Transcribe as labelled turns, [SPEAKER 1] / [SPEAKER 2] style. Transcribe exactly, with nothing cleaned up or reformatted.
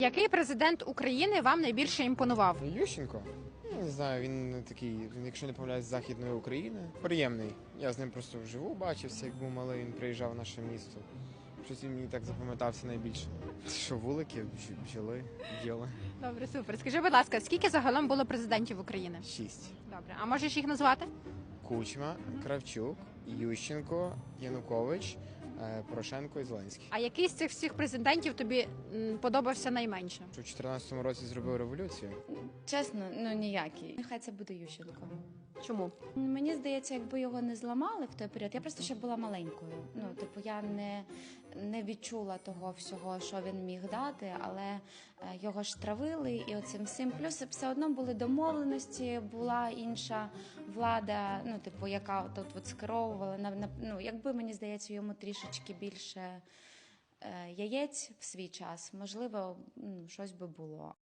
[SPEAKER 1] Який президент України вам найбільше імпонував?
[SPEAKER 2] Ющенко? Ну, не знаю, він такий, він, якщо не помиляюсь, з Західної України. Приємний. Я з ним просто вживу бачився, як був малий, він приїжджав в наше місто. Щось він мені так запам'ятався найбільше. Що вулики, бж- бджоли, бджоли.
[SPEAKER 1] Добре, супер. Скажи, будь ласка, скільки загалом було президентів України?
[SPEAKER 2] Шість.
[SPEAKER 1] Добре, а можеш їх назвати?
[SPEAKER 2] Кучма, Кравчук, Ющенко, Янукович, е, Порошенко і Зеленський.
[SPEAKER 1] А який з цих всіх президентів тобі м, подобався найменше?
[SPEAKER 2] Що в чотирнадцятому році зробив революцію.
[SPEAKER 3] Чесно, ну ніякий. Нехай це буде Ющенко.
[SPEAKER 1] Чому?
[SPEAKER 3] Мені здається, якби його не зламали в той період, я просто ще була маленькою. Ну, типу, я не, не відчула того всього, що він міг дати, але е, його ж травили і оцим всім. Плюс все одно були домовленості, була інша влада, ну, типу, яка тут от скеровувала. На, на, ну, якби, мені здається, йому трішечки більше е, яєць в свій час, можливо, ну, щось би було.